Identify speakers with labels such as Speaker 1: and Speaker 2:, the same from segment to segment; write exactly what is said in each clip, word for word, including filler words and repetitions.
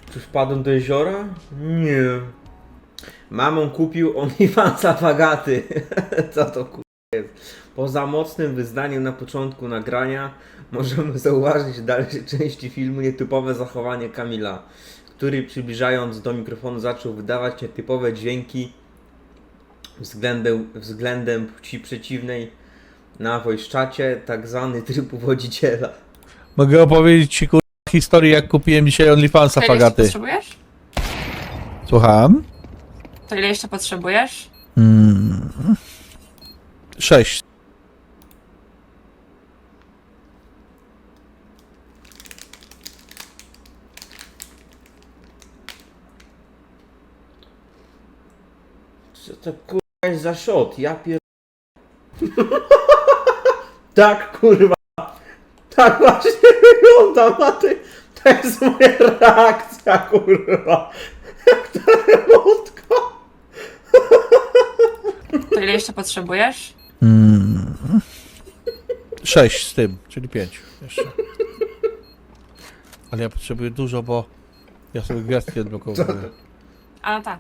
Speaker 1: Czy wpadłem do jeziora? Nie. Mamon kupił OnlyFansa Fagaty. Co to kurwa jest? Poza mocnym wyznaniem na początku nagrania możemy zauważyć w dalszej części filmu nietypowe zachowanie Kamila, który przybliżając do mikrofonu zaczął wydawać nietypowe dźwięki względem, względem płci przeciwnej na voice-czacie, tak zwany tryb uwodziciela.
Speaker 2: Mogę opowiedzieć ci kurwa historię, jak kupiłem dzisiaj OnlyFansa
Speaker 3: To ile jeszcze
Speaker 2: Fagaty.
Speaker 3: potrzebujesz?
Speaker 2: Słucham?
Speaker 3: To ile jeszcze potrzebujesz?
Speaker 2: Mm. Sześć.
Speaker 1: Co to kurwa jest za shot? Ja pier... Tak kurwa. Tak właśnie wygląda na ty. To jest moja reakcja kurwa. Jak ta remotka.
Speaker 3: To ile jeszcze potrzebujesz?
Speaker 2: Mm. Sześć z tym, czyli pięć jeszcze. Ale ja potrzebuję dużo, bo ja sobie gwiazdki odblokowuję.
Speaker 3: A no tak.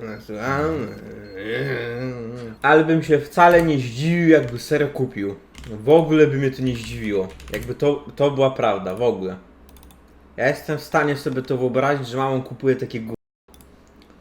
Speaker 1: Ale bym się wcale nie zdziwił, jakby serio kupił. W ogóle by mnie to nie zdziwiło. Jakby to, to była prawda, w ogóle. Ja jestem w stanie sobie to wyobrazić, że mamą kupuje takie gó...